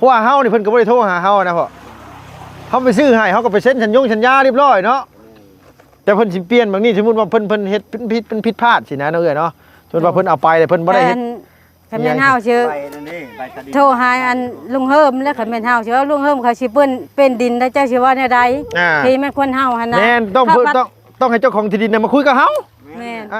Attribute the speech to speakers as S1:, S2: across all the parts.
S1: ราะว่าเฮานี่เพิ่นก็บ่ได้โทรหาเฮานะพ่อเขาไปซื้อให้เขาก็ไปเซ็นสัญญาเรียบร้อยเนาะแต่เพิ่นสิเปลี่ยนบางนี่สมมุติว่าเพิ่นเฮ็ดเป็นผิดพลาดสินะเนาะเอ้ยเนาะสมมุติว่าเพิ่นเอาไปแต่เพิ่นบ่ได้เฮ็ด
S2: คันแม่นเฮาชื่อโทรหาอันลุงเฮิมแล้วคันแม่นเฮาชื่อลุงเฮิมเขาสิเปิ้นเป็นดินแล้วเจ้าสิว่าแนวใดที่แม่นคนเฮาหั่นน่ะ
S1: แม่นต้องให้เจ้าของที่ดินน่ะมาคุยกับเฮา
S2: แม่น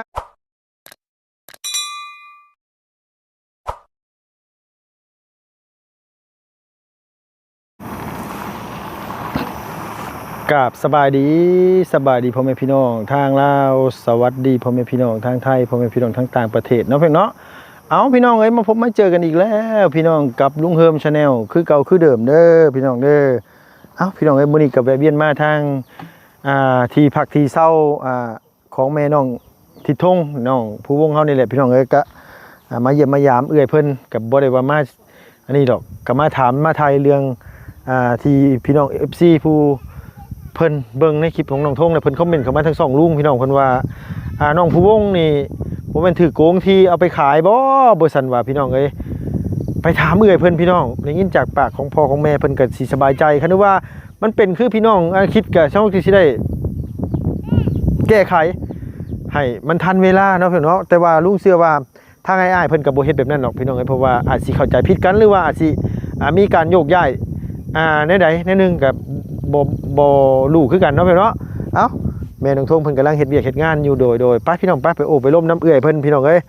S1: กับสบายดีพ่อแม่พี่น้องทางลาวสวัสดีพ่อแม่พี่น้องทางไทยพ่อแม่พี่น้องทางต่างประเทศเนาะเพิ่นเนาะเอาพี่น้องเอ้ยมาพบมาเจอกันอีกแล้วพี่น้องกับลุงเฮิมชาแนลคือเก่าคือเดิมเด้อพี่น้องเด้อเอาพี่น้องเอ้ยมื้อนี้ก็แวะเวียนมาทางที่พักที่เช่าของแม่น้องทิดทงน้องผู้วงเฮานี่แหละพี่น้องเอ้ยก็มาเยี่ยมมายามเอื้อยเพิ่นก็บ่ได้ว่ามาอันนี้ดอกก็มาถามมาทายเรื่องที่พี่น้อง FC ผู้เพิ่นเบิ่งในคลิปของน้องทงเนี่ยเพิ่นคอมเมนต์เข้ามาทั้ง2ลุงพี่น้องเพิ่นว่าน้องผู้วงนี่บ่แม่นถือโกงที่เอาไปขายบ่ซั่นว่าพี่น้องเอ้ยไปถามเอื้อยเพิ่นพี่น้องได้ยินจากปากของพ่อของแม่เพิ่นก็สิสบายใจคันว่ามันเป็นคือพี่น้องคิดก็ช่องที่สิได้แก้ไขให้มันทันเวลาเนาะพี่น้องแต่ว่าลุงเชื่อว่าทางอ้ายๆเพิ่นก็บ่เฮ็ดแบบนั้นหรอกพี่น้องเอ้ยเพราะว่าอาจสิเข้าใจผิดกันหรือว่าอาจสิมีการโยกย้ายในใดในหนึ่งกับบ่รู้คือกันเนาะพี่เนาะเอ้าแม่น้องทงเพิ่นกำลังเฮ็ดเวียกเฮ็ดงานอยู่โดยป้าพี่น้องป้าไปโอ้ไปล้มน้ำเอื้อยเพิ่นพี่น้องเอ้ย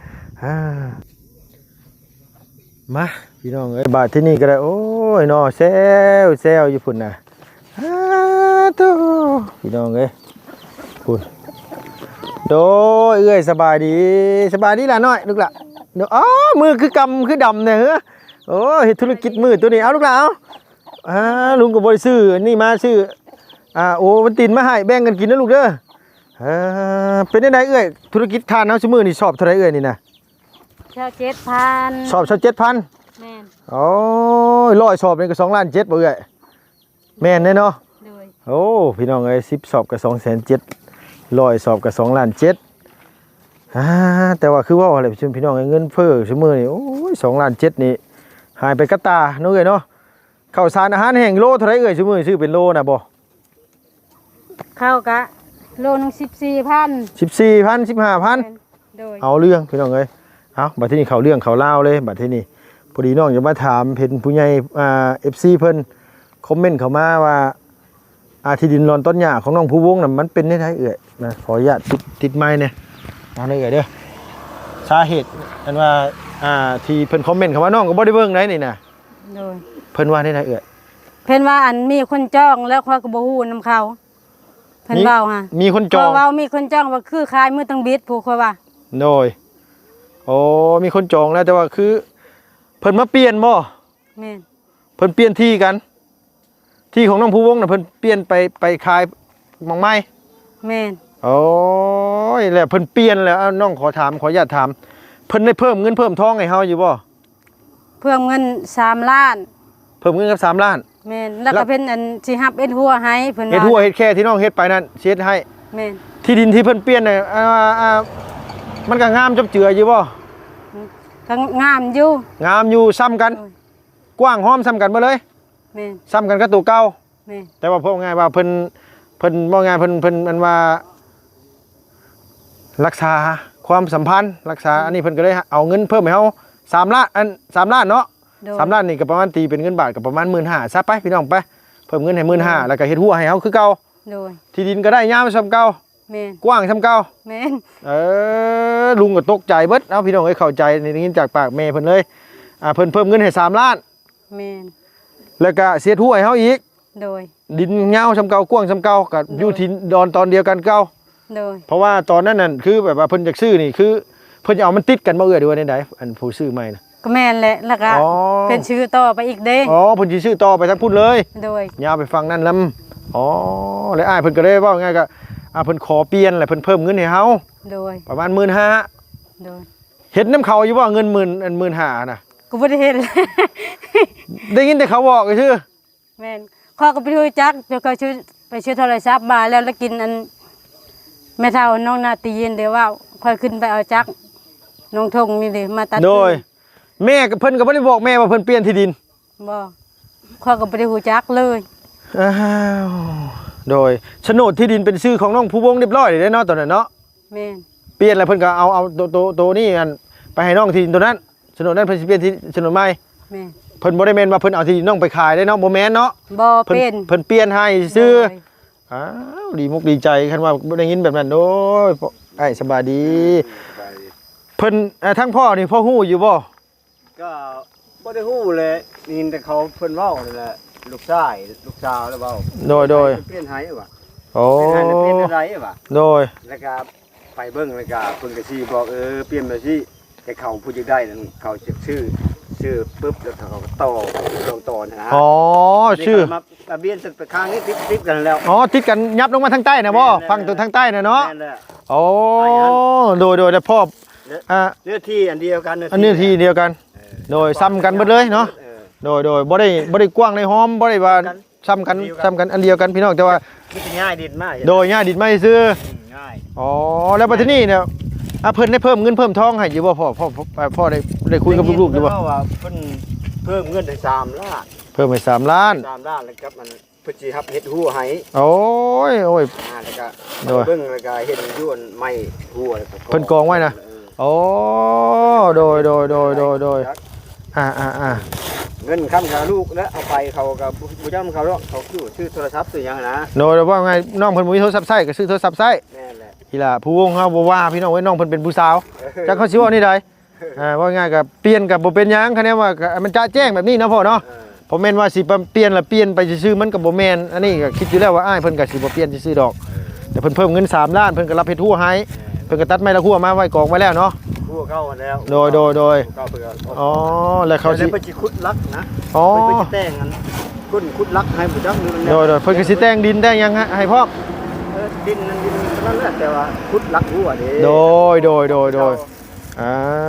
S1: มาพี่น้องเอ้ยบาดที่นี่ก็ได้โอ้ยเนาะแซวอยู่พุ่นน่ะโตพี่น้องเอ้ยพุ่นโดยเอื้อยสบายดีล่ะน้อยลูกล่ะเดี๋ยวอ๋อมือคือกำคือดำเนี่ยเฮ้อโอ้เฮ็ดธุรกิจมือตัวนี้เอาลูกล่ะเอาลุงก็บ่ได้ซื้อนี่มาซื้อโอ้มันตินมาให้แบ่งกันกินนะลูกเด้อเป็นได้เอ้ยธุรกิจทานเฮาซุมื้อนี่ชอบเท่าไหร่เอ้ยนี่นะ
S2: ชอบ 7,000
S1: ชอบ 7,000
S2: แม่น
S1: โอ้ย100ชอบนี่ก็2.7 ล้านบ่เอ้ยแม่นแน่เนาะโอ้พี่น้องเอ้ย10ชอบก็2.7 100ชอบก็2.7 ล้านแต่ว่าคือว่าอะไรพี่น้องเงินเฟ้อซุมื้อนี่โอ้ย2.7 ล้านนี่หายไปกะตาเนาะเอ้ยเนาะข้าวสารอาหารแห้งโลเท่าไหร่เอ้ยซุมื้อซื้อเป็นโลน่ะบ่
S2: ข้าวกะโลนึง14,000
S1: 15,000 เอาเรื่องพี่น้องเอ้ยเอาบัดที่นี่เขาเรื่องเขาเล่าเลยบัดที่นี่พอดีน้องจะมาถามเห็นผู้ใหญ่FC เพิ่นคอมเมนต์เข้ามาว่าที่ดินรอนต้นหญ้าของน้องผู้วงน่ะมันเป็นได้เอ้ยนะขออนุญาตติดไม้เนี่ยเอาเลยเอ้ยเด้อสาเหตุอันว่าที่เพิ่นคอมเมนต์เข้ามาน้องก็บ่ได้เบิ่งได้นี่น่ะโดยเพิ่นว่าได้เอ้ย
S2: เพิ่นว่าอันมีคนจ้องแล้วข้อยก็บ่ฮู้นำเขาเพิ่นเว้าฮะ
S1: มีคนจอง
S2: เว้ามีคนจ้องว่าคือขายมือตังบิดผู้ค่อยว่า
S1: โดยโอ้มีคนจองแล้วแต่ว่าคือเพิ่นมาเปลี่ยนบ่
S2: แม่น
S1: เพิ่นเปลี่ยนที่กันที่ของน้องผู้วงน่ะเพิ่นเปลี่ยนไปขายหม่องไม้
S2: แม่น
S1: โอ้ยแล้วเพิ่นเปลี่ยนแล้วน้องขออนุญาตถามเพิ่นได้เพิ่มเงินเพิ่มทองให้เฮาอยู่บ่
S2: เพิ่มเงิน3 ล้าน
S1: เพิ่มเงินกับ3 ล้าน
S2: แม่นแล้วก็เป็นอันสิรับเอ็ดหัวให้เพิ่นว่า
S1: เฮ็ดหัวเฮ็ดแค่ที่น้องเฮ็ดไปนั่นเฮ็ดให้
S2: แม่น
S1: ที่ดินที่เพิ่นเปลี่ยนน่ะมันก็งามจบเจืออยู่บ่
S2: ก็งามอยู่
S1: ซ้ำกันกว้างหอมซ้ำกันบ่เลย
S2: แม่น
S1: ซ้ำกันกับตัวเก่า
S2: แม่น
S1: แต่ว่าพวกง่ายว่าเพิ่นบ่ง่ายเพิ่นมันว่ารักษาความสัมพันธ์รักษาอันนี้เพิ่นก็เลยเอาเงินเพิ่มให้เฮา3 ล้าน3 ล้านเนาะ3 ล้านนี่ก็ประมาณตีเป็นเงินบาทก็ประมาณ 15,000 ซะไปพี่น้องไปเพิ่มเงินให้ 15,000 แล้วก็เฮ็ดหัวให้เฮาคือเก่า
S2: โดย
S1: ที่ดินก็ได้ยาวซ้ำเก่า
S2: แม่น
S1: กว้างซ้ำเก่า
S2: แม่น
S1: ลุงก็ตกใจเบิดเอาพี่น้องเอ้ยเข้าใจได้ยินจากปากแม่เพิ่นเลยเพิ่นเพิ่มเงินให้3 ล้าน
S2: แม่น
S1: แล้วก็เสียหัวให้เฮาอีก
S2: โดย
S1: ดินยาวซ้ำเก่ากว้างซ้ำเก่าก็อยู่ที่ดอนตอนเดียวกันเก่า
S2: โดย
S1: เพราะว่าตอนนั้นน่ะคือแบบว่าเพิ่นอยากซื้อนี่คือเพิ่นจะเอามันติดกันบ่เอ้ยหรือว่าไดอันผู้ซื้อใหม่น่ะ
S2: ก็แม่นแหละแล้วก็เป็นชื่อต่อไปอีกเด้
S1: เพิ่นสิซื้อต่อไปทั้งพุ่นเลย
S2: โดย
S1: ยาวไปฟังนั่นลำแล้วอ้ายเพิ่นก็เลยเว้าง่ายก็เพิ่นขอเปลี่ยนแล้วเพิ่นเพิ่มเงินให้เฮา
S2: โดย
S1: ประมาณ 15,000
S2: โดย
S1: เฮ็ดน้ำเขาอยู่บ่เงิน15,000น่ะ
S2: กูบ่ได้เฮ็ด
S1: ได้ยินแต่เขาบอกซื่อ
S2: แม่นข้อก็ไปรู้จักเดี๋ยวก็ไปซื้อโทรศัพท์มาแล้วกินอันแม่เฒ่าน้องนาตีนเดี๋ยวว่าค่อยขึ้นไปเอาจักน้องทงนี่เลยมาตัด
S1: โดยแม่เพิ่นก็บ่ได้บอกแม่ว่าเพิ่นเปลี่ยนที่ดิน
S2: บ่ข้อยก็บ่ได้ฮู้จักเลย
S1: อ้าวโดยโฉนดที่ดินเป็นชื่อของน้องผู้วงเรียบร้อยเลยเนาะตอนนั้นเนาะ
S2: แม่น
S1: เปลี่ยนแล้วเพิ่นก็เอาตัวนี้อันไปให้น้องที่ดินตัวนั้นโฉนดนั้นเพิ่นสิเปลี่ยนที่โฉนดใหม่
S2: แม่น
S1: เพิ่นบ่ได้แม่นว่าเพิ่นเอาที่ดินน้องไปขายได้เนาะบ่แม่นเนาะ
S2: บ่
S1: เพิ่น
S2: เป็น
S1: เพิ่นเปลี่ยนให้ซื้อ
S2: โดย
S1: อ้าวดีมุกดีใจคันว่าบ่ได้ยินแบบนั้นโอ้ยไอ้สบายดีเพิ่นทั้งพ่อนี่พ่อฮู้อยู่บ่
S3: ก็บ่ได้ฮู้เลยนี่แต่เขาเพิ่นเว้านี่แหละลูกชายลูกสาวแล้วเว้า
S1: โดย
S3: เปลี่ยนให้ว่ะ
S1: โอ้
S3: เปลี่ยนให้เปลี่ยนอะไรว่ะ
S1: โดย
S3: แล้วก็ไปเบิ่งแล้วก็เพิ่นก็สิบอกเปลี่ยนมาสิแต่เขาผู้จะได้นั่นเขาชื่อปึ๊บแล้วเขาก็ต่อนะ
S1: อ๋อชื่อ
S3: มาทะเบียนไปข้างนี้ติดกันแล้ว
S1: อ๋อติดกันยับลงมาทางใต้นะบ่
S3: แม่น
S1: ฟังตัวทางใต้นะเนาะ
S3: แม่นแหละ
S1: โอ้โดยแล้วพ่อ
S3: เนื้อที่อันเดียวกัน
S1: อันนี้ที่เดียวกัน โดยซ้ำกันเบิดเลยเนาะโดยบ่ได้กว้างในหอมบ่ได้ว่าซ้ำกันอันเดียวกันพี่น้องแต่ว่า
S3: มันจะง่ายดินมาก
S1: โดยง่ายดิดไม่ซื้อ
S3: ง่าย
S1: อ๋อแล้วบัดนี้เนี่ยเพิ่นได้เพิ่มเงินเพิ่มทองให้อยู่บ่พ่อได้คุยกับลูกๆอยู่บ่
S3: ว่าเพิ่นเพิ่มเงินให้3 ล้าน
S1: เพิ่มให้3 ล้าน
S3: 3 ล้านแล้วครับมันเพิ่นสิรับเฮ็ดหัวให้
S1: โอ้ย
S3: แล้วก็
S1: โดย
S3: เบิ่งแล้วก็เฮ็ดยวนไม้หัวแล้วก็
S1: เพิ่นกองไว้นะ โอ้โดย
S3: เงินค้ำกับลูกแล้วเอาไปเขากับผู้จำเขาแล้วเขาชื่อโทรศัพท์ซื้อหยังนะ
S1: โดยว่าไงน้องเพิ่นบ่มีโทรศัพท์ใช้ก็ซื้อโทรศัพท์ใช้
S3: แม่นแหละ
S1: ทีละผู้วงเฮาบ่ว่าพี่น้องไว้น้องเพิ่นเป็นผู้สาวจักเขาสิเว้านี่ใดว่าง่ายก็เปลี่ยนก็บ่เป็นหยังคะแนนว่าก็มันจะแจ้งแบบนี้เนาะพ่อเนาะผมแม่นว่าสิเปลี่ยนแล้วเปลี่ยนไปซื่อๆมันก็บ่แม่นอันนี้ก็คิดอยู่แล้วว่าอ้ายเพิ่นก็สิบ่เปลี่ยนซื่อๆดอกแต่เพิ่นเพิ่มเงิน3 ล้านเพิ่นก็รับเฮ็ดหัวให้เพิ่นก็ตัดไม้ละหัวมาไว้กองไว้แล้วเนาะ
S3: หัวเข้าแล้ว
S1: โดย
S3: เข้าเพิ่น
S1: อ๋อแล้วเขาสิ
S3: เพิ่นสิขุดลักนะ
S1: อ๋อ
S3: เพิ่นสิแต่งกันขุดลักให้ผู้จำนี่มัน
S1: โดยเพิ่นก็สิแต่งดินแต่งหยังให้พ่อม
S3: ดินนั่นแหละแต่ว่าขุดลักหัวเด้
S1: โดยอ่า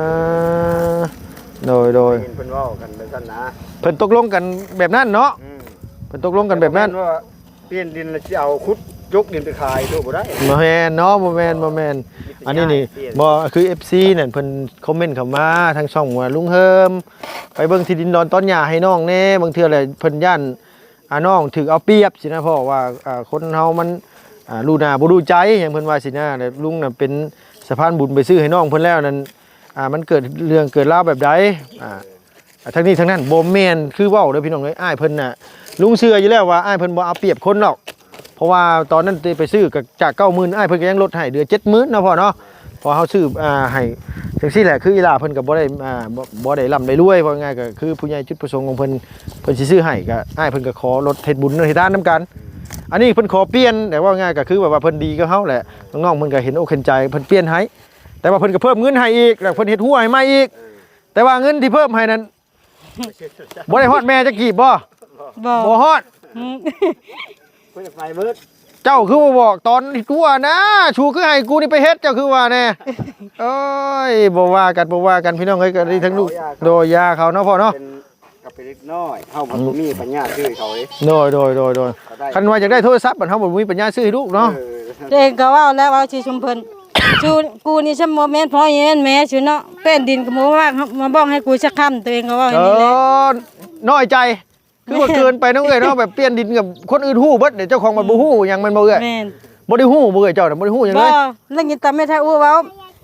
S1: โดย
S3: เห็นเพิ่นเว้ากันแบบนั้นนะ
S1: เพิ่นตกลงกันแบบนั้นเนาะเพิ่นตกลงกันแบบนั้น
S3: ว่าเปลี่ยนดินแล้วสิเอาขุดยกดินไปขายโตบ่ได้
S1: บ่แม่นเนาะบ่แม่นอันนี้นี่บ่คือ FC นั่นเพิ่นคอมเมนต์เข้ามาทางช่องว่าลุงเฮิมไปเบิ่งที่ดินดอนต้นหญ้าให้น้องแน่บางเทื่อแหละเพิ่นย่านน้องถูกเอาเปรียบสินะพ่อว่าคนเฮามันรู้หน้าบ่รู้ใจหยังเพิ่นว่าสินะแล้วลุงน่ะเป็นสะพานบุญไปซื้อให้น้องเพิ่นแล้วนั่นมันเกิดเรื่องเกิดราวแบบใดทั้งนี้ทั้งนั้นบ่แม่นคือเว้าเด้อพี่น้องเอ้ยอ้ายเพิ่นน่ะลุงเชื่ออยู่แล้วว่าอ้ายเพิ่นบ่เอาเปรียบคนหรอกเพราะว่าตอนนั้นไปซื้อก็จาก 90,000อ้ายเพิ่นก็ยังลดให้เหลือ 70,000เนาะพ่อเนาะพอเฮาซื้อให้จังซี่แหละคืออีหลาเพิ่นก็บ่ได้บ่ได้ร่ำได้รวยว่าง่ายก็คือผู้ใหญ่จุดประสงค์ของเพิ่นสิซื้อให้ก็อ้ายเพิ่นก็ขอลดเฮ็ดบุญเฮ็ดทานนํกันอันนี้เพิ่นขอเปลี่ยนแต่ว่าง่ายก็คือแบบว่าเพิ่นดีกับเฮาแหละน้องๆเพิ่นก็เห็นอกเห็นใจเพิ่นเปลี่ยนให้แต่ว่าเพิ่นก็เพิ่มเงินให้อีกแล้วเพิ่นเฮ็ดหัวให้ใหม่อีกแต่ว่าเงินที่เพิ่มให้นั้นบ่ได้ฮอดแม่จักกีบบ่
S2: บ่
S1: บ่ฮอด
S3: เพิ่นไปเบิด
S1: เจ้าคือบ่บอกตอนที่ตัวนะชูคือให้กูนี่ไปเฮ็ดเจ้าคือว่าแน่เอ้ยบ่ว่ากันพี่น้องเอ้ยก็ได้ทั้งลูกโดยยาเขาเนาะพ่อเนาะ
S3: เป็นกับเป็นเล็กน้อยเฮาบ่มีปัญญาซื้อเขาเด้
S1: โดยคันว่าอยากได้โทรศัพท์บัดเฮาบ่มีปัญญาซื้อให้ลูกเนาะ
S2: ตัวเองก็เว้าแล้วว่าสิชุมเพิ่นชูกูนี่ฉันบ่แม่นพ่อแม่นแม่ชูเนาะเป็นดินก็บ่ว่ามาบอกให้กูสักคำตัวเองก็เว้าอย่างนี้แหละ
S1: น้อยใจคือว่าเกินไปน้องเอ้ยเนาะแบบเปลี่ยนดินกับคนอื่นฮู้เบิดเดี๋ยวเจ้าของมันบ่ฮู้หยังมันบ่เอ้ย
S2: แม่น
S1: บ่ได้ฮู้บ่เอ้ยเจ้าน่ะบ่ได้ฮู้หยัง
S2: บ่
S1: เลย
S2: แล้วยินแต่แม่ทาอู้เว้าย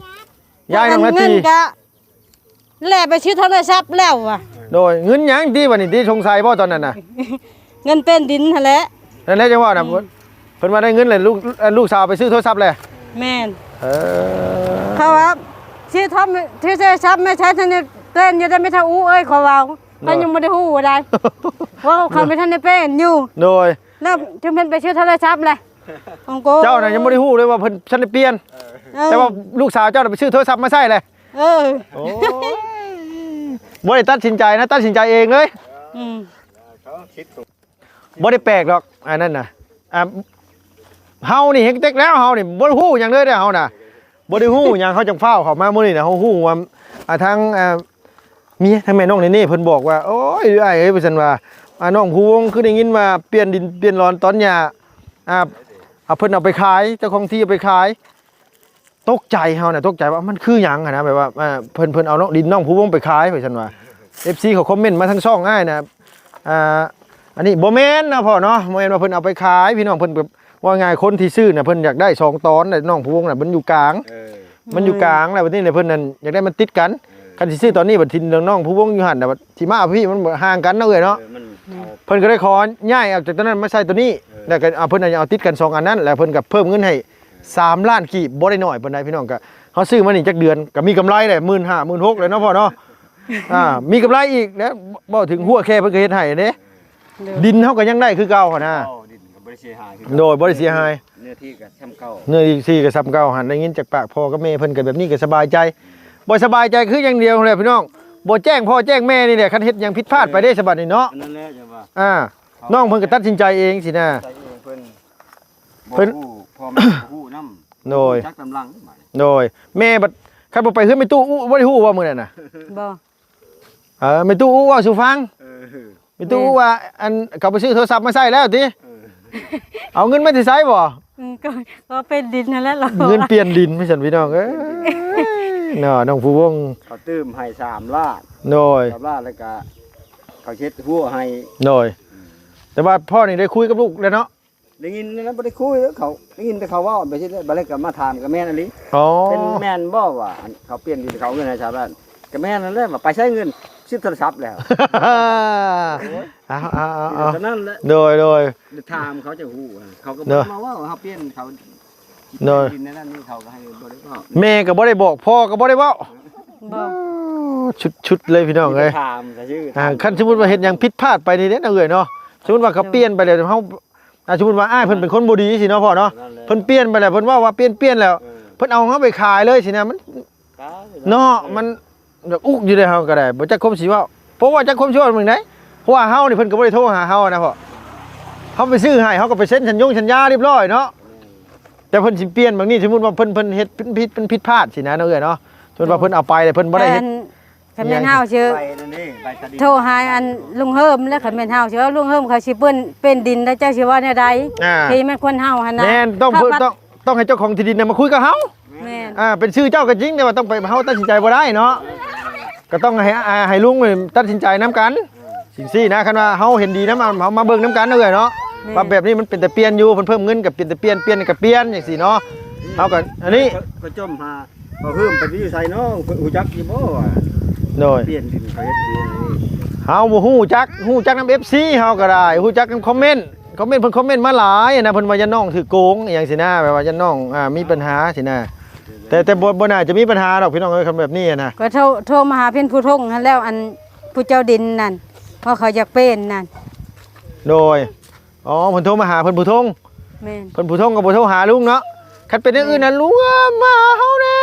S1: ายน้องนา
S2: เงิ
S1: ที
S2: นก็แลไปซื้อโทรศัพท์แล้วว่ะ
S1: โดยเงินหยังที่บัดนี้ที่สงสัยบ่ตอนนั้นน่ะ
S2: เงินเป็นดินหั่นแหละ
S1: นั่นแหละจังว่าน่ะเพิ่นว่าได้เงินเลยลูกสาวไปซื้อโทรศัพท์เลย
S2: แม่น
S1: เออ
S2: เขาว่าซื้อโทรศัพท์ไม่ใช้ทันได้เป็นอยู่ได้ไม่ทาอู้เอ้ยขอเว้ามันยังบ่ได้ฮู้ว่าได้ว่าเขาไม่ทันได้เป็นอยู่
S1: โดย
S2: แล้วจึงเป็นไปซื้อโทรศัพท์เลยของกู
S1: เจ้าน่ะยังบ่ได้ฮู้เลยว่าเพิ่นฉันได้เปลี่ยน แต่ว่าลูกสาวเจ้าน่ะไปซื้อโทรศัพท์มาใช้เลย
S2: เออ
S1: โอ้ยบ่ได้ตัดสินใจนะตัดสินใจเองเลย
S2: อืม
S3: เขาคิดถูก
S1: บ่ได้แปลกหรอกอันนั้นน่ะเฮานี่เฮ็ดเต็กแล้วเฮานี่บ่ได้ฮู้หยังเลยเด้อเฮาน่ะบ่ได้ฮู้หยังเขาจังฟ้าวเข้ามามื้อนี้น่ะเฮาฮู้ว่าทางเมียทางแม่น้องนี่เพิ่นบอกว่าโอ้ยอ้ายเอ้ยว่าซั่นว่าน้องผู้วงคือได้ยินว่าเปลี่ยนดินเปลี่ยนร้อนตอนหญ้าเอาเพิ่นเอาไปขายเจ้าของที่เอาไปขายตกใจเฮาน่ะตกใจว่ามันคือหยังอะนะแบบว่าเพิ่นเอาดินน้องผู้วงไปขายว่าซั่นว่า FC เขาคอมเมนต์มาทั้งช่องอ้ายน่ะอันนี้บ่แม่นนะพ่อเนาะบ่แม่นว่าเพิ่นเอาไปขายพี่น้องเพิ่นแบบว่าไงคนที่ซื้อน่ะเพิ่นอยากได้2ตอนน่ะน้องผู้วงน่ะมันอยู่กลางมันอยู่กลางแล้วบัดนี้เนี่ยเพิ่นนั่นอยากได้มันติดกันคันสิซื้อตอนนี้บัดทินน้องผู้วงอยู่หั่นน่ะบัดสิมาเอาพี่มันห่างกันเนาะเอ้ยเนาะเพิ่นก็ได้ขอย้ายออกจากตัวนั้นมาใส่ตัวนี้แล้วก็เอาเพิ่นน่ะเอาติดกัน2อันนั้นแล้วเพิ่นก็เพิ่มเงินให้3ล้านกีบบ่ได้น้อยปานใดพี่น้องก็เฮาซื้อมานี่จักเดือนก็มีกำไรได้ 15,000 16,000เลยเนาะพ่อเนาะมีกำไรอีกแล้วบ่ถึงหัวแค่เพิ่นก็เฮ็ดให้เด้ดินเฮาก็ยังได้คือเก่าหั่นน่ะ
S3: ดินก็บ่ได้เสียหาย
S1: โดยบ่ได้เสียหาย
S3: เนื้อที่ก็ซ้ำเก่า
S1: เนื้อที่ก็ซ้ำเก่าหั่นได้ยินจากปากพ่อกับแม่เพิ่นก็แบบนี้ก็สบายใจบ่สบายใจคืออย่างเดียวแหละพี่น้องบ่แจ้งพ่อแจ้งแม่นี่แหละคันเฮ็ดหยังผิดพลาดไปได้สบัดนี่เนาะ
S3: นั่นแหละจังว่า
S1: น้องเพิ่นก็ตัดสินใจเองสินะ
S3: เพิ่นพ่อแม่ฮู้นำ
S1: โดย
S3: จักกำลัง
S1: โดยแม่บัดคันบ่ไปเฮือนแม่ตู้อู้บ่ได้ฮู้ว่ามื้อนั้นน่ะ
S2: บ่
S1: แม่ตู้อู้ว่าสู่ฟังแม่ตู้อู้ว่าอันเขาไปซื้อโทรศัพท์มาใช้แล้วติเอาเงินมาสิใช้บ่
S2: ก็เป็นดินนั่นแหละ
S1: เงินเปลี่ยนดินพี่ซั่นพี่น้องเอ้ยเนาะน้องผู้วง
S3: เขาตื้มให้3ล้าน
S1: โดย
S3: 3ล้านแล้วก็เขาเช็ดหัวให้
S1: โดยแต่ว่าพ่อนี่ได้คุยกับลูกแล้วเนาะ
S3: ได้ยินนั้นบ่ได้คุยเขาได้ยินแต่เขาว่าไปสิบัดนี้ก็มาถามกับแม่นอันนี้เป็นแม่นบ่ว่าเขาเปลี่ยนดินเขาเงินให้ชาวบ้านก็แม่นนั่นแหละว่าไปใช้เงินซื้อโทรศัพท์แล้ว
S1: เอา
S3: ตอนนั้นแหละ
S1: โดย
S3: ถามเขาจะฮู้เขาก็มาว่าเขาเปลี่ยนเขาดินนั่นนี่เขาก็ให้บ่ได้บอก
S1: แม่ก็บ่ได้บอกพ่อก็บ่ได้เว้าชุดเลยพี่น้องเอ้ย
S3: ถามซะชื่อ
S1: คันสมมุติว่าเฮ็ดหยังผิดพลาดไปนี่เด้อเอ้ยเนาะสมมุติว่าเขาเปลี่ยนไปแล้วเฮาสมมุติว่าอ้ายเพิ่นเป็นคนบ่ดีสิเนาะพ่อเนาะเพิ่นเปลี่ยนไปแล้วเพิ่นว่าเปลี่ยนแล้วเพิ่นเอาเฮาไปขายเลยสินะมันเนาะมันแบบอุกอยู่ได้เฮาก็ได้บ่จักคมสิเว้าเพราะว่าจักคมสิเว้ามึงได้เพราะว่าเฮานี่เพิ่นก็บ่ได้โทรหาเฮานะพ่อเฮาไปซื้อให้เฮาก็ไปเซ็นสัญญาเรียบร้อยเนาะแต่เพิ่นสิเปลี่ยนบางนี้สมมุติว่าเพิ่นเฮ็ดผิดพลาดสินะเนาะเอ้ยเนาะสมมุติว่าเพิ่นเอาไปแล้วเพิ่นบ่ได้เฮ็ด
S2: คันแม่นเฮาชื่อโทรหาอันลุงเฮิมแล้วคันแม่นเฮาชื่อลุงเฮิมเขาสิเป็นดินแล้วเจ้าสิว่าแนวใดที่แม่นคนเฮาหั่นน่ะ
S1: แม่นต้องให้เจ้าของที่ดินน่ะมาคุยกับเฮา
S2: แม่น
S1: เป็นชื่อเจ้าก็จริงแต่ว่าต้องไปเฮาตัดสินใจบ่ได้เนาะก็ต้องให้ลุงตัดสินใจนํกันสิ่งซี่นะคันว่าเฮาเห็นดีนำเฮามาเบิ่งนํกันเด้อเนาะว่าแบบนี้มันเป็นแต่เปลี่ยนอยู่เพิ่มเงินกับเป็นแต่เปลี่ยนกับเปลี่ยนจังซี่เนาะเฮาก็อันนี้
S3: ก็จมหาบ่เพิ่มไปอยู่ไสเนาะฮู้จักอยู่บ่ว่า
S1: โดย
S3: เปลี่ยนดินเขาเฮ็ดดี
S1: เฮาบ่ฮู้จักนำ FC เฮาก็ได้ฮู้จักนำคอมเมนต์เพิ่นคอมเมนต์มาหลายนะเพิ่นว่ายันน้องถือโกงอหยังสินะแบบว่ายันน้องมีปัญหาสินะแต่บ่น่าจะมีปัญหาดอกพี่น้องเอ้ยคำแบบนี้นะ
S2: ก็โทรมาหาเพิ่นผู้ทงหั่นแล้วอันผู้เจ้าดินนั่นเพราะเขาอยากเป็นนั่น
S1: โดยเพิ่นโทรมาหาเพิ่นผู้ทง
S2: แม่น
S1: เพิ่นผู้ทงก็บ่โทรหาลุงเนาะคันเป็นอย่างอื่นน่ะลุงมาหาเฮาแน่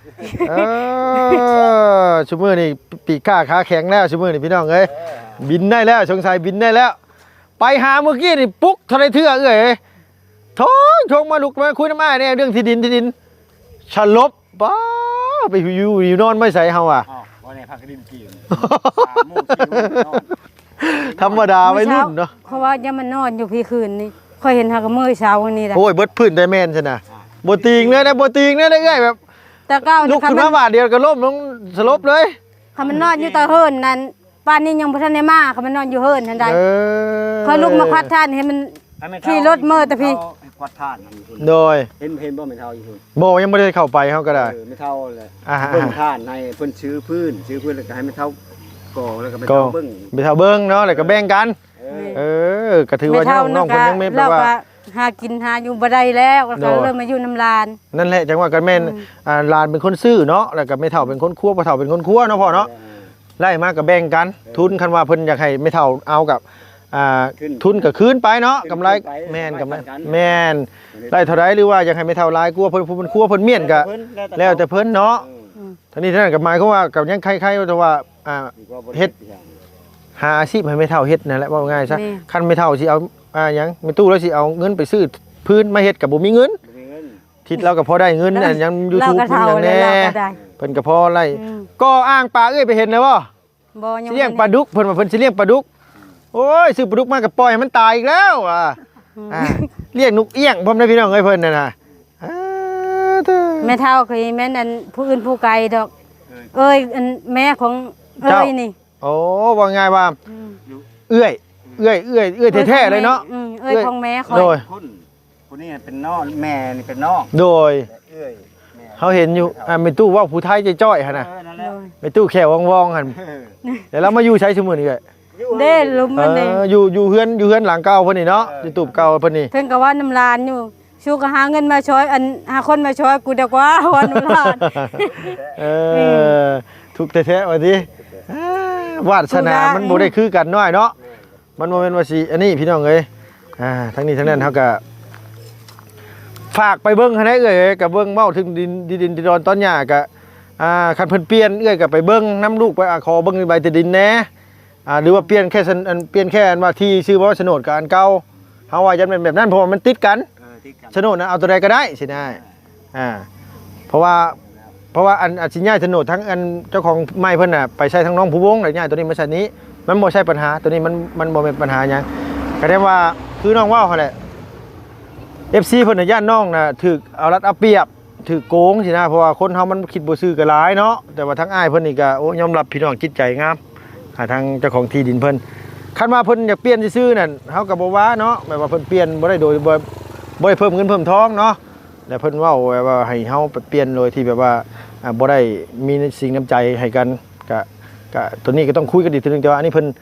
S1: ซุมื้อนี่ปีกขาแข็งแล้วซุมื้อนี่พี่น้องเอ้ยบินได้แล้วสงสัยบินได้แล้วไปหาเมื่อกี้นี่ปุ๊กเท่าไรเทื่อเอ้ยทงมาลุกมาคุยน้ำอ้ายเนี่ยเรื่องที่ดินฉลบป้าไปอยู่นอนไม่ใส่เฮา
S3: วันนี้พักดินกิน
S1: ธรรมดาไว้รุ่นเนาะ
S2: เพราะว่ายังมันนอนอยู่พี่คืนนี่ค่อยเห็นหากมื้อเช้าวันนี้แหละ
S1: โอ้ยเบิดพื้นได้แม่นซั่นน่ะบ่ติงเลยนะบ่ติงเลยได้เอ้ยแบบ
S2: แต่ก้าว
S1: ลุกขึ้นมาบาดเดียวก็ล้มลงสลบเลย
S2: ถ้ามันนอนอยู่ตะเฮินนั่นป่านนี้ยังบ่ทันได้มาเขามันนอนอยู่เฮินทันใดเขาลุกมาควัดท่านให้มันขี่รถเมื่อแต่พี่
S3: ควัดท่าน
S1: โดย
S3: เห็นบ่แม่นเฒ่าอยู่พุ่น
S1: บ่ยังบ่ได้เข้าไปเฮาก็ได้
S3: ไม่เฒ่าเลยเบิ่งท่านให้เพิ่นซื้อพื้นแล้วก็ให้แม่เฒ่าก่อแล้วก็แม่เฒ่าเบิ่ง
S1: แม่เฒ่าเบิ่งเนาะแล้วก็แบ่งกันก็ถือว่าน้องเพิ่นยังไม่แปลว่า
S2: หากินหาอยู่บ่ได้แล้วก็เริ่มมาอยู่น้ำลาน
S1: นั่นแหละจังว่ากันแม่นลานเป็นคนซื้อเนาะแล้วก็แม่เฒ่าเป็นคนคั่วพ่อเฒ่าเป็นคนคั่วเนาะพ่อเนาะไล่มาก็แบ่งกันทุนคันว่าเพิ่นอยากให้แม่เฒ่าเอากับทุนก็คืนไปเนาะกำไรแม่นกำไรแม่นได้เท่าไรหรือว่าอยากให้แม่เฒ่าหลายคั่วเพิ่นคั่วเพิ่นเมียนก็แล้วแต่เพิ่นเนาะทีนี้ท่านก็หมายความว่ากับยังใครๆว่าเฮ็ดหาอาชีพให้แม่เฒ่าเฮ็ดนั่นแหละว่าง่ายซะคันแม่เฒ่าสิเอาหยังแม่ตู้แล้วสิเอาเงินไปซื้อพื้นมาเฮ็ดก็บ่มีเงินทิศเราก็พอได้เงินอันยัง YouTube เพิ่นอย่างแน่เพิ่นก็พอไล่ก็อ้างปลาเอ้ยไปเห็นแล้วบ่สิเลี้ยงปลาดุกเพิ่นว่าเพิ่นสิเลี้ยงปลาดุกโอ้ยซื้อปลาดุกมาก็ปล่อยให้มันตายอีกแล้วเลี้ยงนกเอี้ยงพร้อมได้พี่น้องเอ้ยเพิ่นน่ะนะ
S2: แม่เฒ่าเคยแม่นอันผู้อื่นผู้ไกลดอกอันแม่ของนี่
S1: โอ้ว่าง่ายว่าเอื้อยเอื้อยแท้ๆเลยเนาะ
S2: เอ้ยของแม่คอย
S1: โดย
S3: คนนี้เป็นน้องแม่นี่เป็นน้อง
S1: โดย
S3: เอ้ยแม่
S1: เขาเห็นอยู่แม่ตู้ว่าผู้ไทยจ้อยๆหั่นน่ะ
S3: นั่นแหละ
S1: แม่ตู้แขววองๆหั่นแต่เรามาอยู่ใช้ชั่วโมงนี้เอ้ย
S2: เด้ลุมมันเด้
S1: อยู่เฮือนหลังเก่าเพิ่นนี่เนาะอยู่ตูบเก่าเพิ่นนี่
S2: เพิ่นก็ว่าน้ำลานอยู่ชูก็หาเงินมาช่วยหาคนมาช่วยกูดีกว่าวันน้ำลาน
S1: ทุกแท้ๆว่าดิวาสนามันบ่ได้คือกันน้อยเนาะมันบ่แม่นว่าสิอันนี้พี่น้องเอ้ยทั้งนี้ทั้งนั้นเฮาก็ฝากไปเบิ่งให้ได้เอ้ยก็เบิ่งเว้าถึงดินดอนตอนหญ้าก็คันเพิ่นเปลี่ยนเอ้ยก็ไปเบิ่งนํลูกไปขอเบิ่งใบดินแหน่หรือว่าเปลี่ยนแค่เปลี่ยนแค่ว่าที่ชื่อว่าโฉนดกับอันเก่าเฮาว่าจะเป็นแบบนั้นเพราะว่ามันติดกันโฉนดนะเอาตัวใดก็ได้สิได้เพราะว่าอันสิย้ายโฉนดทั้งอันเจ้าของไม้เพิ่นน่ะไปใช้ทั้งน้องผู้วงแล้วย้ายตัวนี้มาใช้นี้มันบ่ใช่ปัญหาตัวนี้มันบ่เป็นปัญหาหยังก็ได้ว่าคือน้องว่าเขาแหละ FC เพิ่นน่ะย่านน้องน่ะถูกเอารัดเอาเปรียบถูกโกงสินะเพราะว่าคนเฮามันคิดบ่ซื่อก็หลายเนาะแต่ว่าทั้งอ้ายเพิ่นนี่ก็โอ้ยอมรับพี่น้องจิตใจงามทางเจ้าของที่ดินเพิ่นคันว่าเพิ่นอยากเปลี่ยนซื่อๆนั่นเฮาก็บ่ว่าเนาะแบบว่าเพิ่นเปลี่ยนบ่ได้โดยบ่ได้เพิ่มเงินเพิ่มทองเนาะแล้วเพิ่นเว้าว่าให้เฮาไปเปลี่ยนโดยที่แบบว่าบ่ได้มีสิ่งน้ำใจให้กันก็ตัวนี้ก็ต้องคุยกันอีกทีนึงแต่ว่าอันนี้เพิ่น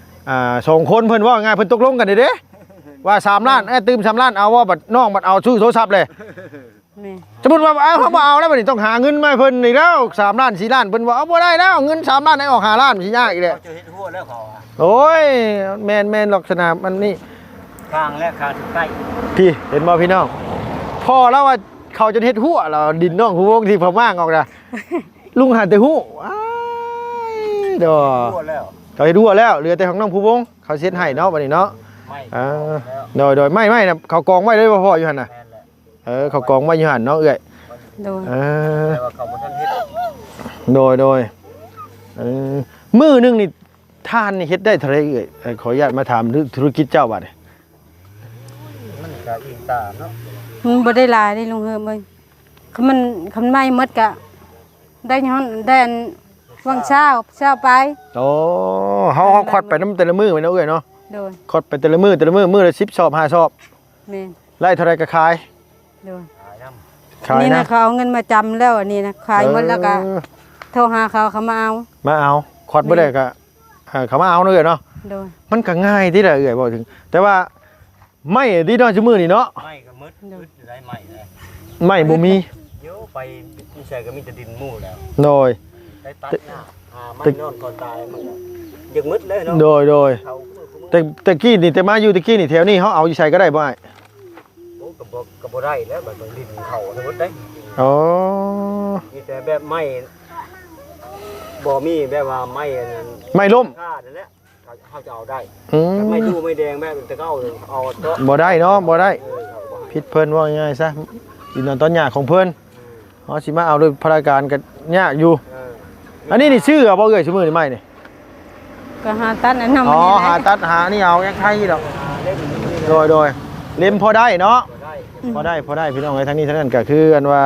S1: 2คนเพิ่นว่าง่ายเพิ่นตกลงกันเด้ว่า3ล้านตื่ม3ล้านเอาว่าบัดน้องบัดเอาซื้อโทรศัพท์เลยสมมุติว่าเขาบ่เอาแล้วบัดนี้ต้องหาเงินมาให้เพิ่นอีกแล้ว3ล้าน4ล้านเพิ่นว่าเอาบ่ได้แล้วเงิน3ล้านให้ออก5ล้านสิยากอีกแหละ
S3: จะเฮ็ดหัวแล้วเขาอ่ะ
S1: โอ้ยแม่นลักษณะมันนี่
S3: ข้างและข้างใกล้
S1: พี่เห็นบ่พี่น้องพ่อแล้วว่าเขาจะเฮ็ดหัวเราดินน้องผู้วงที่พม่างออกน่ะลุงหันแต่หู้อ้ายดอ
S3: หัวแล้ว
S1: เขาเฮ็ดหัวแล้วเหลือแต่ของน้องผู้วงเขาเซ็นให้เนาะบัดนี้เนาะ
S3: ไม่
S1: โดยไม่นะเขากองไว้เลยพ่ออยู่หั่นน่ะ
S3: แม่นแหละ
S1: เขากองไว้อยู่หั่นเนาะเอ้ย
S2: โดย
S3: แต่ว่าเขาบ่ทันเฮ็ด
S1: โดยมื้อนึงนี่ทานนี่เฮ็ดได้เท่าไหร่เอ้ยขออนุญาตมาถามธุรกิจเจ้าบัดนี้
S3: มันก็อิงตามเนาะ
S2: มันบ่ได้หลายได้ลุงเฮิมเอ้ยคันไม่หมดก็ได้ย้อนได้อันวังเช้าไป
S1: โอ้เฮาควัดไปนำแต่ละมื้อไปเนาะเอ้ยเนาะ
S2: โดย
S1: ควัดไปแต่ละมื้อมื้อละ10ซอบ5ซอบ
S2: แม่น
S1: ไล่เท่าไรก็ขาย
S2: โดย
S3: ขายน้
S1: ขาย
S2: นี่
S1: นะ
S2: นะเขาเอาเงินมาจำแล้วอันนี้นะขายหมดแล้วก็โทรหาเขามาเอา
S1: มาเอาควัดบ่ได้ก็เขามาเอาเนาะเอ้ยเนาะ
S2: โดย
S1: มันก็ง่ายที่ละเอ้ยบ่ถึง แต่ว่าไม่ดีเนาะซุมื้อนี่เนาะ
S3: ำไม่ก็มืดได้ใหม่เลย
S1: ไม่บ่มี
S3: เดี๋ยวไปมีใส่ก็มีแต่ดินหมู่แล้ว
S1: โดย
S3: ได้ตัดหน้าไม่นอนก่อนตายมันยังมืดเลยเนาะ
S1: โดย
S3: เขา
S1: แต่กี้นี่แต่มาอยู่ตะกี้นี่แถวนี้เฮาเอาอยู่ใส่ก็ได้บ่อ้าย
S3: โอ้กับบ่ได้แล้วแบบดินเขาสมมุติได้
S1: อ๋อ
S3: มีแต่แบบไม้บ่มีแบบว่าไม้อันนั้น
S1: ไม่ล้ม
S3: ค่านั่นแหละเขาจะเอาได้
S1: อืม
S3: แต่ไม่ดูไม่แดงแบบแต่ก็เอาเถอะ
S1: บ่ได้เนาะบ่ได้
S3: เขาก็บ่ให้
S1: ผิดเพิ่นว่าง่ายๆซะดินนอนตอนหญ้าของเพิ่นเฮาสิมาเอาโดยพราการก็ยากอยู่ อันนี้นี่ชื่อบ่เอ้ยซุมื้อนี่ไม่นี่
S2: ก็หาตัดอันนั้น
S1: อ๋อ
S2: นี่แหละ
S1: หาตัดหานี่เอายังไทยดอก
S3: เล่นอยู่นี่
S1: โดยเล่มพอได้เนาะ
S3: บ่ได้
S1: พอได้พี่น้องไอ้ทั้งนี้ทั้งนั้นก็คืออันว่า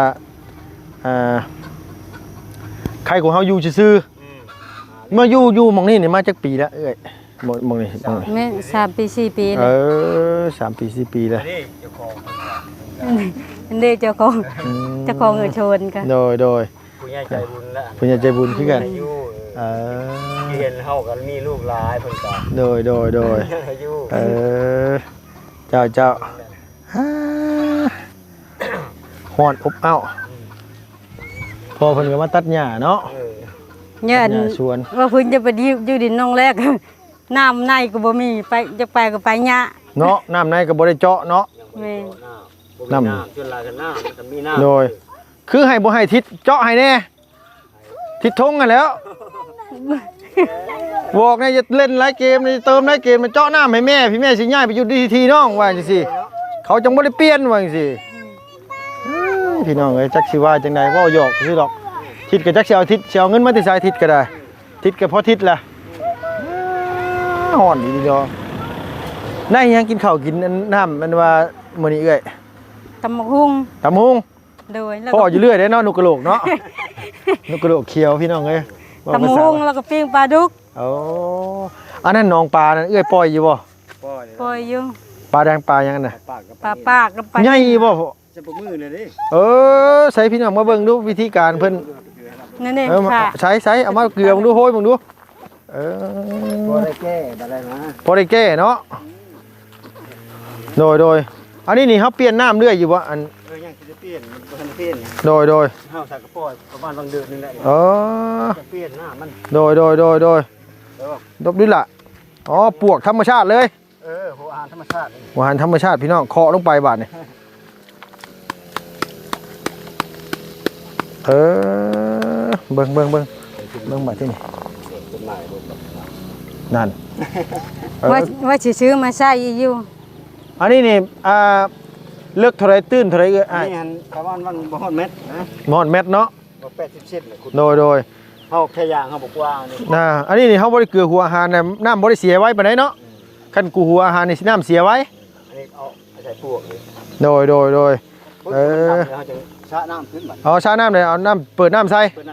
S1: ใครของเฮาอยู่ซื่อๆเมื่ออยู่หม่องนี้นี่มาจักปีแล้วเอ้ยหม่องนี้
S2: แม่3 ปี 4 ปี
S1: เอ
S2: เลย
S1: อ3 ปี 4 ปีแล้ว
S3: นี่เจ้าของ
S2: อันนี้เจ้าของเงินชนกัน
S1: โดย
S3: ผู้ใหญ่ใจบุญแล้ว
S1: ผู้ใหญ่ใจบุญคือกัน
S3: อายุ
S1: เออ
S3: ที่เห็นเฮากันมีลูกหลายเพิ่นก็
S1: โดย
S3: อายุ
S1: เออเจ้าฮ้อนอบอ้าวพอเพิ่นก็มาตัดหญ้าเนาะ
S2: เนี่ยอัน
S1: หญ้าสวน
S2: ว่าเพิ่นจะไปอยู่ดินน้องแรก น้ำในก็บ่มีไปจะไปก็ไปยะ
S1: เนาะน้ำในก็บ่ได้เจาะเนาะ
S2: แม่
S3: น้ำจนลายกันน้ำมันก็มีน้ำ
S1: โดย คือให้บ่ให้ทิศเจาะให้แน่ทิศทงกันแหล้วบอกเนี่ยจะเล่นหลายเกมนี่เติมหลายเกมมันเจาะน้ำให้แม่พี่แม่สิย้ายไปอยู่ดีทีน้องว่าจังซี่เขาจังบ่ได้เปลี่ยนว่าจังซี่พี่น้องเอ้ยจักสิว่าจังได๋เว้าหยอกซื่อดอกทิศก็จักสิเอาทิศสิเอาเงินมาที่สายทิศก็ได้ทิศก็พอทิศล่ะฮ้อนดีดอกได้ยังกินข้าวกินน้ำมันว่ามื้อนี้เอ้ย
S2: ตำบักหุ่ง
S1: ตำหุง
S2: โดยแล้ว
S1: พ่อ
S2: ก็
S1: อยู่เรื่อยเด้เนาะนุกกระโหลกเนาะ นุกกระโหลกเขียวพี่น้องเอ้ยว่า
S2: ตำบัก
S1: ภาษา
S2: หุ่งแล้วก็ปิ้งปลาดุก
S1: โอ้อันนั้นหนองปลานั่นเอื้อยปล่อยอยู่บ่
S2: ปล่อยอยู่
S1: ปลาแดงปลายังน่ะ
S2: ปลาปากกับปลา
S1: ใหญ่บ่
S3: จะบ่มือเลยดิ
S1: ใส่พี่น้องมาเบิ่งดูวิธีการเพิ่น
S2: นี่ ค่ะ
S1: ใช้เอามาเกลือมึงดูโหยมึงดู
S3: บ่ได้แก้บ่ได้นะ
S1: พอได้แก้เนาะโดยอันนี้นี่เฮาเปลี่ยนน้ำเรื่อยอยู่บ่อัน
S3: ยังสิเปลี่ยนมันบ่ทันเปลี่ยน
S1: โดย
S3: เฮาใส่กระป๋อยประมาณบางเดือนนึงแหละจะเปลี่ยนหน้ามัน
S1: โดยดบดิล่ะอ๋อปวกธรรมชาติเลย
S3: หัวอาหารธรรมชาติ
S1: หัวอาหารธรรมชาติพี่น้องเคาะลงไปบาดนี่เบิ่งบาดที่นี่นั่น
S2: ว่าสิซื้อมาใช้อยู่
S1: อันนี้นี่เลือกเท่าไรตื้นเท่าไร
S3: นี่หันประมาณวันบ่ฮอดเม็ดนะ
S1: บ่ฮอดเม็ดเนาะ
S3: บ่80เซนเลยคุณ
S1: โดย
S3: เฮาแค่ย่างเฮาบ่กว้าง
S1: นี่อันนี้นี่เฮาบ่ได้เกลือหัวอาหารน่ะน้ำบ่ได้เสียไว้ปานใดเนาะคันกูหัวอาหารนี่สิน้ำเสียไว้
S3: อันนี้เอาใส่พวก
S1: โดยเ
S3: ฮาจะชะน้ำขึ้นบัด
S1: ชะน้ำเลยเอาน้ำเปิดน้ำใส่
S3: บัด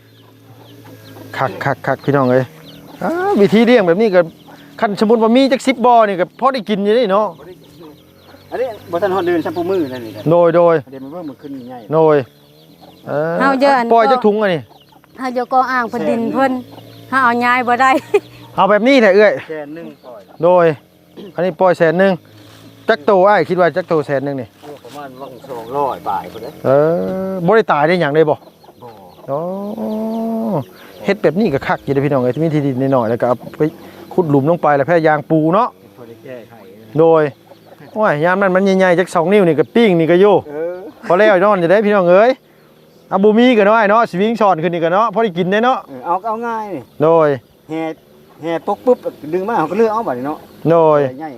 S1: คักพี่น้องเอ้ยวิธีเลี้ยงแบบนี้ก็คันสมมุติว่ามีจัก10บ่อนี่ก็พอได้กินอยู่นี่เนาะ
S3: อันนี้บ่ทันฮอดเดือนซัมปูมือนั่นนี่
S1: โดย
S3: เดี๋ยวมันเบิ่งมันขึ้นใหญ่
S1: โดย
S2: เฮาเยอะอัน
S1: ปล่อยจักถุงอันนี้
S2: เฮาจะก็อ้างเพิ่นดินเพิ่นเฮาเอาย้ายบ่ได้
S1: เอาแบบนี้แหละเอ้ย
S3: 100,000ปล่อย
S1: โดยอันนี้ปล่อย100,000จักโตอ้ายคิดว่าจักโต100,000นี่
S3: ประมาณวัง200บาทพุ่นเด้
S1: บ่ได้ตายได้หยังได้บ่โอ้เฮ็ดแบบนี้ก็คักอยู่เด้อพี่น้องเอ้ยมีที่ดินน้อยๆแล้วก็เอาไปขุดหลุมลงไปแล้วแพร่ยางปูเนาะ
S3: พอได้แก้ไข
S1: โดยโอ้ยยามนั้นมันใหญ่ๆจัก2นิ้วนี่ก็ปิ้งนี่ก็อยู่พอแล้วนอนจะได้พี่น้องเอ้ยเอาบ่มีก็น้อยเนาะสิวิ่งช้อนขึ้นนี่ก็เนาะพอได้กินได้เนาะ
S3: เอาง่ายนี่
S1: โดย
S3: แห่ปุ๊บดึงมาเขาก็เลือกเอาบัดนี้เนาะ
S1: โดย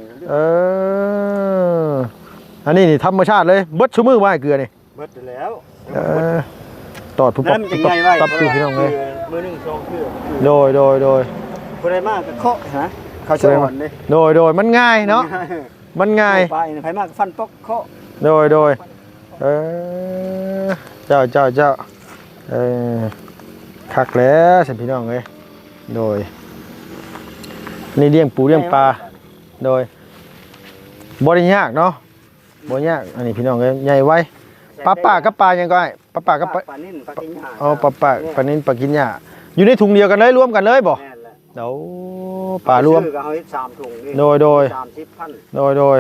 S1: อันนี้นี่ธรรมชาติเลยเบิดซุมื้อว่าเกลือนี่
S3: เบิดแล้ว
S1: ตอดผู้ปกตับอยู่พี่น้องเอ้ย
S3: มื้อนึง2เทื่อ
S1: โดย
S3: บ่ได้มากก็เคาะฮะเขาชอนเด้
S1: โดยมันง่ายเนาะมันง่าย
S3: ไปไผมากฟันปอกเคาะ
S1: โดยเจ้าคักแล้วสิพี่น้องเอ้ยโดยนี่เลี้ยงปูเลี้ยงปลาโดยบ่ได้ยากเนาะบ่ยากอันนี้พี่น้องเอ้ยใหญ่ไว้ปลากับปลายังก็ได้ปลากับปลา
S3: นิ่นปลากินหญ้า
S1: ปลานิ่นปลากินหญ้าอยู่ในถุงเดียวกันเลยรวมกันเลยบ่เดี๋ยวปลารวม
S3: ก็เอาให้3ถุงนี่
S1: โดย
S3: 30,000
S1: โดย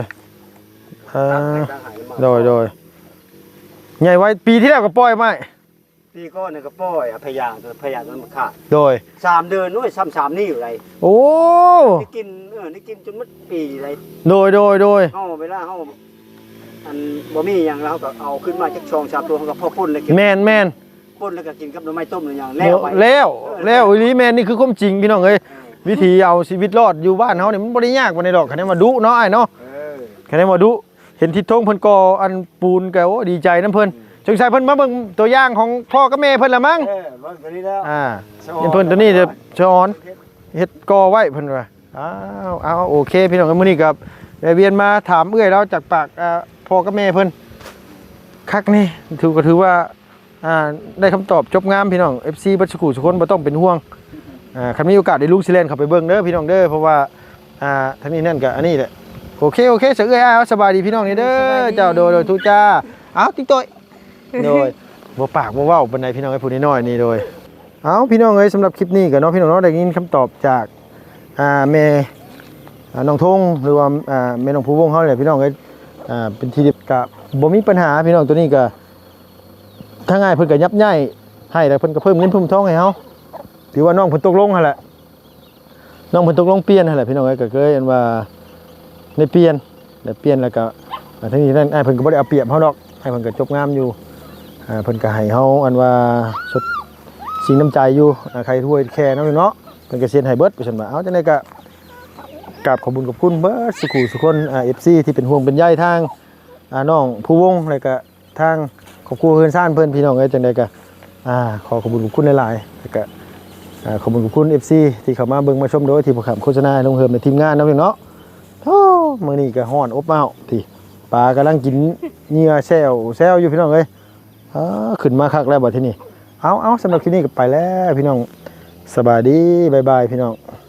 S1: ใหญ่ไว้ปีที่แล้วก็ปล่อยไหม
S3: ปีก่อนนี่ก็ปล่อยพยางจนมันขาด
S1: โดย
S3: 3เดือนด้วย3นี่อยู่ไร
S1: โอ้
S3: นี่กินจนมันปีไร
S1: โดย
S3: เฮาเวลาเฮาอันบ่มีหยังแล้วก็เอาขึ้นมาจัก2-3ตัวเฮาก็พอป่นเลย
S1: แม่น
S3: ป่นแล้วก็กินกับหน่อไม้ต้มหรือหยัง
S1: แล้วอีหลีแม่นนี่คือความจริงพี่น้องเอ้ยวิธีเอาชีวิตรอดอยู่บ้านเฮานี่มันบ่ได้ยากปานใดดอกคันนี้มาดุเนาะอ้ายเนาะคันนี้มาดุเห็นทิศทงเพิ่นก่ออันปูนก็โอ้ดีใจนำเพิ่นสงสัยเพิ่นมาเบิ่งตัวอย่างของพ่อกับแม่เพิ่นละมั้ง
S3: เบิ่งตัวนี้แล้ว
S1: เห็นเพิ่นตัวนี้จะสอนเฮ็ดก่อไว้เพิ่นว่าเอาโอเคพี่น้องมื้อนี้ก็ได้เวียนมาถามเอื้อยเราจากปากพ่อกับแม่เพิ่นคักนี่ถือว่าได้คำตอบจบงามพี่น้อง FC บัดสุขุสุคนบ่ต้องเป็นห่วงคันมีโอกาสได้ลุกสิเล่นเข้าไปเบิ่งเด้อพี่น้องเด้อเพราะว่าทั้งนี้นั่นก็อันนี้แหละโอเคเสือเอ้ยสบายดีพี่น้องนี่เด้อเจ้าโดยทุจ้าเอาติ๊กต้อยโดยบ่ปากบ่เว้าปานใดพี่น้องไอ้ผู้น้อยนี่โดยเอาพี่น้องเอ้ยสำหรับคลิปนี้ก็เนาะพี่น้องเนาะได้ยินคำตอบจากแม่น้องทงหรือว่าแม่น้องผู้วงเฮาแหละพี่น้องเอ้ยเป็นที่เรียบก็บ่มีปัญหาพี่น้องตัวนี้ก็ถ้าง่ายเพิ่นก็ยับยั้งให้แล้วเพิ่นก็เพิ่มเงินเพิ่มทองให้เฮาถือว่าน้องเพิ่นตกลงหั่นแหละน้องเพิ่นตกลงเปลี่ยนหั่นแหละพี่น้องเอ้ยก็เคยอันว่าได้เปลี่ยนแล้วก็ทั้งนี้นั่นไอ้เพิ่นก็บ่ได้เอาเปรียบเฮาดอกไอ้เพิ่นก็จบงามอยู่เพิ่นก็ให้เฮาอันว่าสดสิ่งน้ำใจอยู่ใครถ้วยแค่นั้นเนาะเพิ่นก็เซ็นให้เบิดไปซั่นว่าเอาจังได๋ก็กราบขอบคุณเบิดสุคนFC ที่เป็นห่วงเป็นใยทางน้องผู้วงแล้วก็ทางครอบครัวเฮือนซ่านเพิ่นพี่น้องเอ้ยจังได๋ก็ขอขอบคุณหลายๆแล้วก็ขอบคุณ FC ที่เข้ามาเบิ่งมาชมโดยที่ผู้ขับโฆษณาลงเฮิมในทีมงานเนาะพี่เนาะมื้อนี้ก็ฮ้อนอบอ้าวที่ปลากำลังกินเหยื่อแซวอยู่พี่น้องเอ้ยขึ้นมาคักแล้วบัดทีนี้เอาสำหรับคลิปนี้ก็ไปแล้วพี่น้องสบายดีบ๊ายบายพี่น้อง